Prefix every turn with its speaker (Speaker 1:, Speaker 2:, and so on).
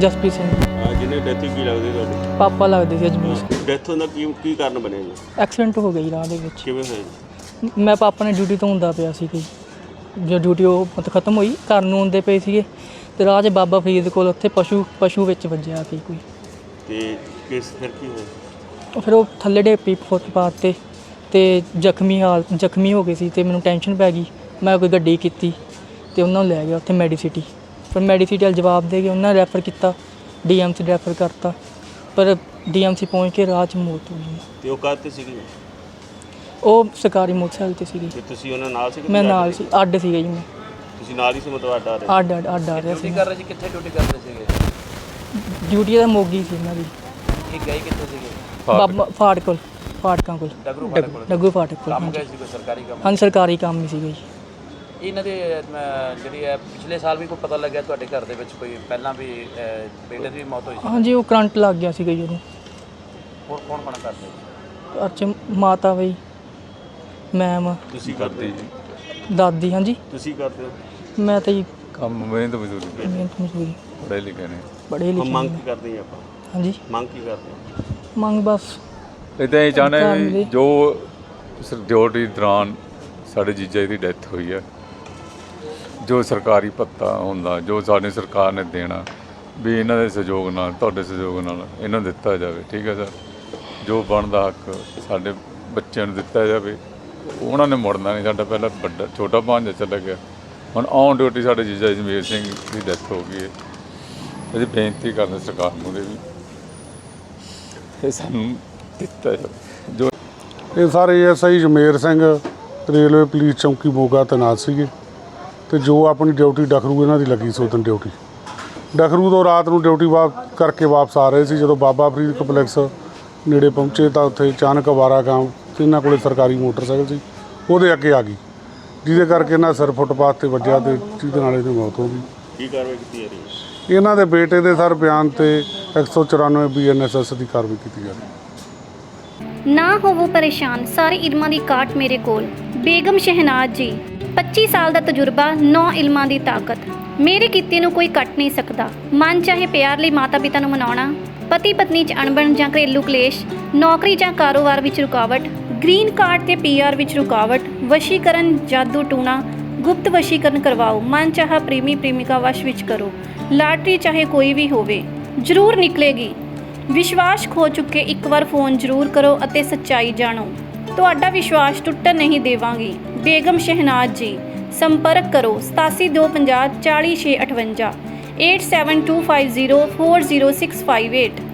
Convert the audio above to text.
Speaker 1: ਜਸਪ੍ਰੀਤ ਸਿੰਘ
Speaker 2: ਜਿਹਨੇ ਡੈਥ ਕੀ ਲੱਗਦੀ ਤੁਹਾਡੀ?
Speaker 1: ਪਾਪਾ ਲੱਗਦੇ ਸੀ ਅਜਮੇਰ।
Speaker 2: ਡੈਥ ਦਾ ਕੀ ਕਾਰਨ ਬਣਿਆ ਜੀ?
Speaker 1: ਐਕਸੀਡੈਂਟ ਹੋ ਗਿਆ ਜੀ ਰਾਹ ਦੇ ਵਿੱਚ।
Speaker 2: ਕਿਵੇਂ ਹੋਇਆ ਜੀ?
Speaker 1: ਮੈਂ ਪਾਪਾ ਨੇ ਡਿਊਟੀ ਤੋਂ ਹੁੰਦਾ ਪਿਆ ਸੀ ਕਿ ਜੋ ਡਿਊਟੀ ਉਹ ਮਤਲਬ ਖਤਮ ਹੋਈ, ਘਰ ਨੂੰ ਆਉਂਦੇ ਪਏ ਸੀਗੇ ਤੇ ਰਾਹ 'ਚ ਬਾਬਾ ਫਰੀਦ ਕੋਲ ਉੱਥੇ ਪਸ਼ੂ ਵਿੱਚ ਵੱਜਿਆ ਸੀ ਕੋਈ।
Speaker 2: ਤੇ ਫਿਰ ਕੀ ਹੋਇਆ?
Speaker 1: ਫਿਰ ਉਹ ਥੱਲੇ ਢੇਪੀ ਫੁੱਟਪਾਥ ਤੇ ਜ਼ਖਮੀ ਹੋ ਗਏ ਸੀ ਤੇ ਮੈਨੂੰ ਟੈਨਸ਼ਨ ਪੈ ਗਈ। ਮੈਂ ਕੋਈ ਗੱਡੀ ਕੀਤੀ ਤੇ ਉਹਨਾਂ ਨੂੰ ਲੈ ਗਿਆ ਉੱਥੇ ਮੈਡੀਸਿਟੀ। ਪਰ ਮੈਡੀਸਿਟੀ ਵਾਲ ਜਵਾਬ ਦੇ ਕੇ ਉਹਨਾਂ ਨੇ ਰੈਫਰ ਕੀਤਾ, DMC ਰੈਫਰ ਕਰਤਾ। ਪਰ DMC ਪਹੁੰਚ ਕੇ ਰਾਹ 'ਚ ਮੌਤ ਹੋ ਗਈ।
Speaker 2: ਤੇ ਉਹ ਕਾਹਤੇ ਸੀਗੀ?
Speaker 1: ਉਹ ਸਰਕਾਰੀ ਮੋਟਰਸਾਈਕਲ 'ਤੇ ਸੀਗੀ।
Speaker 2: ਤੇ ਤੁਸੀਂ ਉਹਨਾਂ ਨਾਲ ਸੀ?
Speaker 1: ਮੈਂ ਨਾਲ ਸੀ, ਅੱਡ ਸੀਗਾ ਜੀ। ਮੈਂ
Speaker 2: ਤੁਸੀਂ ਨਾਲ ਹੀ ਸੀ ਮਤਲਬ ਅੱਡ ਆ ਰਹੇ?
Speaker 1: ਅੱਡ ਆ ਰਿਹਾ ਸੀ।
Speaker 3: ਕਰ ਰਹੇ ਸੀ? ਕਿੱਥੇ ਡਿਊਟੀ ਕਰਦੇ ਸੀਗੇ?
Speaker 1: ਡਿਊਟੀ ਦਾ ਮੋਗੀ ਸੀ ਇਹਨਾਂ ਦੀ।
Speaker 3: ਇਹ ਗਏ ਕਿੱਥੇ ਸੀਗੇ?
Speaker 1: ਬਾਬਾ ਫਾਟਕਾਂ ਕੋਲ। ਡੱਗੂ ਫਾਟਕ ਕੋਲ।
Speaker 3: ਕੰਮ ਗਏ ਸੀ ਕੋਈ ਸਰਕਾਰੀ ਕੰਮ?
Speaker 1: ਹਾਂਜੀ, ਸਰਕਾਰੀ ਕੰਮ ਹੀ ਸੀਗਾ ਜੀ।
Speaker 3: ਇਹਨਾਂ ਦੇ ਜਿਹੜੀ ਹੈ ਪਿਛਲੇ ਸਾਲ ਵੀ ਕੋਈ ਪਤਾ ਲੱਗਿਆ ਤੁਹਾਡੇ ਘਰ ਦੇ ਵਿੱਚ ਕੋਈ ਪਹਿਲਾਂ ਵੀ ਬੇਟੇ ਦੀ ਵੀ ਮੌਤ ਹੋਈ ਸੀ?
Speaker 1: ਹਾਂਜੀ, ਉਹ ਕਰੰਟ ਲੱਗ ਗਿਆ ਸੀਗਾ ਜੀ ਉਹਨੂੰ।
Speaker 3: ਹੋਰ ਕੌਣ ਕਰਦੇ?
Speaker 1: ਘਰ 'ਚ ਮਾਤਾ ਬਈ, ਮੈਮ,
Speaker 2: ਤੁਸੀਂ ਕਰਦੇ ਜੀ?
Speaker 1: ਦਾਦੀ। ਹਾਂਜੀ,
Speaker 2: ਤੁਸੀਂ ਕਰਦੇ ਹੋ?
Speaker 1: ਮੈਂ ਤਾਂ ਜੀ
Speaker 4: ਕੰਮ ਮਿਹਨਤ ਮਜ਼ਦੂਰੀ ਪੜ੍ਹੇ ਲਿਖੇ ਨੇ।
Speaker 1: ਬੜੇ ਲਿਖੇ।
Speaker 2: ਮੰਗ ਕੀ ਕਰਦੇ ਜੀ ਆਪਾਂ?
Speaker 1: ਹਾਂਜੀ,
Speaker 2: ਮੰਗ ਕੀ ਕਰਦੇ ਹੋ?
Speaker 1: ਮੰਗ ਬਸ
Speaker 4: ਇੱਦਾਂ ਇਹ ਚਾਹੁੰਦੇ ਵੀ ਜੋ ਡਿਊਟੀ ਦੌਰਾਨ ਸਾਡੇ ਜੀਜਾ ਜੀ ਦੀ ਡੈਥ ਹੋਈ ਹੈ, ਜੋ ਸਰਕਾਰੀ ਭੱਤਾ ਹੁੰਦਾ ਜੋ ਸਾਡੀ ਸਰਕਾਰ ਨੇ ਦੇਣਾ ਵੀ ਇਹਨਾਂ ਦੇ ਸਹਿਯੋਗ ਨਾਲ, ਤੁਹਾਡੇ ਸਹਿਯੋਗ ਨਾਲ ਇਹਨਾਂ ਨੂੰ ਦਿੱਤਾ ਜਾਵੇ। ਠੀਕ ਹੈ ਸਰ, ਜੋ ਬਣਦਾ ਹੱਕ ਸਾਡੇ ਬੱਚਿਆਂ ਨੂੰ ਦਿੱਤਾ ਜਾਵੇ। ਉਹਨਾਂ ਨੇ ਮੁੜਨਾ ਨਹੀਂ। ਸਾਡਾ ਪਹਿਲਾਂ ਛੋਟਾ ਭਾਂਜਾ ਚਲਾ ਗਿਆ, ਹੁਣ ਔਨ ਡਿਊਟੀ ਸਾਡੇ ਜੀਜਾ ਅਜਮੇਰ ਸਿੰਘ ਦੀ ਡੈਥ ਹੋ ਗਈ ਹੈ। ਅਸੀਂ ਬੇਨਤੀ ਕਰਦੇ ਸਰਕਾਰ ਨੂੰ ਵੀ ਇਹ ਸਾਨੂੰ ਦਿੱਤਾ ਜਾਵੇ। ਜੋ
Speaker 5: ਇਹ ਸਾਰੇ SI Ajmer Singh railway police ਚੌਂਕੀ ਮੋਗਾ ਤੈਨਾਤ ਸੀਗੇ ਤੇ ਜੋ ਆਪਣੀ ਡਿਊਟੀ ਡਖਰੂ ਇਹਨਾਂ ਦੀ ਲੱਗੀ ਸੀ, ਉਦੋਂ ਡਿਊਟੀ ਡਖਰੂ ਤੋਂ ਰਾਤ ਨੂੰ ਡਿਊਟੀ ਕਰਕੇ ਵਾਪਸ ਆ ਰਹੇ ਸੀ। ਜਦੋਂ ਬਾਬਾ ਫਰੀਦ ਕੰਪਲੈਕਸ ਨੇੜੇ ਪਹੁੰਚੇ ਤਾਂ ਉੱਥੇ ਅਚਾਨਕ ਅਵਾਰਾ ਗਾਂ ਤੇ ਇਹਨਾਂ ਕੋਲ ਸਰਕਾਰੀ ਮੋਟਰਸਾਈਕਲ ਸੀ, ਉਹਦੇ ਅੱਗੇ ਆ ਗਈ, ਜਿਹਦੇ ਕਰਕੇ ਇਹਨਾਂ ਸਿਰ ਫੁੱਟਪਾਥ 'ਤੇ ਵੱਜਿਆ ਤੇ ਜਿਹਦੇ ਨਾਲ ਇਹਦੀ ਮੌਤ ਹੋ ਗਈ।
Speaker 2: ਕੀ ਕਾਰਵਾਈ ਕੀਤੀ ਜਾ ਰਹੀ ਹੈ?
Speaker 5: ਇਹਨਾਂ ਦੇ ਬੇਟੇ ਦੇ ਸਰ ਬਿਆਨ ਤੇ 194 BNSS ਦੀ ਕਾਰਵਾਈ ਕੀਤੀ ਜਾ ਰਹੀ ਹੈ।
Speaker 6: ਨਾ ਹੋਵੋ ਪਰੇਸ਼ਾਨ, ਸਾਰੇ ਇਲਮਾਂ ਦੀ ਕਾਟ ਮੇਰੇ ਕੋਲ। ਬੇਗਮ ਸ਼ਹਿਨਾਜ਼ ਜੀ, 25 ਸਾਲ ਦਾ ਤਜਰਬਾ, 9 ਇਲਮਾਂ ਦੀ ਤਾਕਤ। ਮੇਰੇ ਕੀਤੇ ਨੂੰ ਕੋਈ ਕੱਟ ਨਹੀਂ ਸਕਦਾ। ਮਨ ਚਾਹੇ ਪਿਆਰ ਲਈ ਮਾਤਾ ਪਿਤਾ ਨੂੰ ਮਨਾਉਣਾ, ਪਤੀ ਪਤਨੀ 'ਚ ਅਣਬਣ ਜਾਂ ਘਰੇਲੂ ਕਲੇਸ਼, ਨੌਕਰੀ ਜਾਂ ਕਾਰੋਬਾਰ ਵਿੱਚ ਰੁਕਾਵਟ, ਗ੍ਰੀਨ ਕਾਰਡ ਤੇ PR ਵਿੱਚ ਰੁਕਾਵਟ, ਵਸ਼ੀਕਰਨ, ਜਾਦੂ ਟੂਣਾ, ਗੁਪਤ ਵਸ਼ੀਕਰਨ ਕਰਵਾਓ, ਮਨ ਚਾਹਾ ਪ੍ਰੇਮੀ ਪ੍ਰੇਮਿਕਾ ਵਸ਼ ਵਿੱਚ ਕਰੋ, ਲਾਟਰੀ ਚਾਹੇ ਕੋਈ ਵੀ ਹੋਵੇ, ਜ਼ਰੂਰ ਨਿਕਲੇਗੀ। ਵਿਸ਼ਵਾਸ ਖੋ ਚੁੱਕੇ ਇੱਕ ਵਾਰ ਫੋਨ ਜ਼ਰੂਰ ਕਰੋ ਅਤੇ ਸੱਚਾਈ ਜਾਣੋ। ਤੁਹਾਡਾ ਵਿਸ਼ਵਾਸ ਟੁੱਟਣ ਨਹੀਂ ਦੇਵਾਂਗੀ। ਬੇਗਮ ਸ਼ਹਿਨਾਜ਼ ਜੀ, ਸੰਪਰਕ ਕਰੋ 8725040658 8725040658।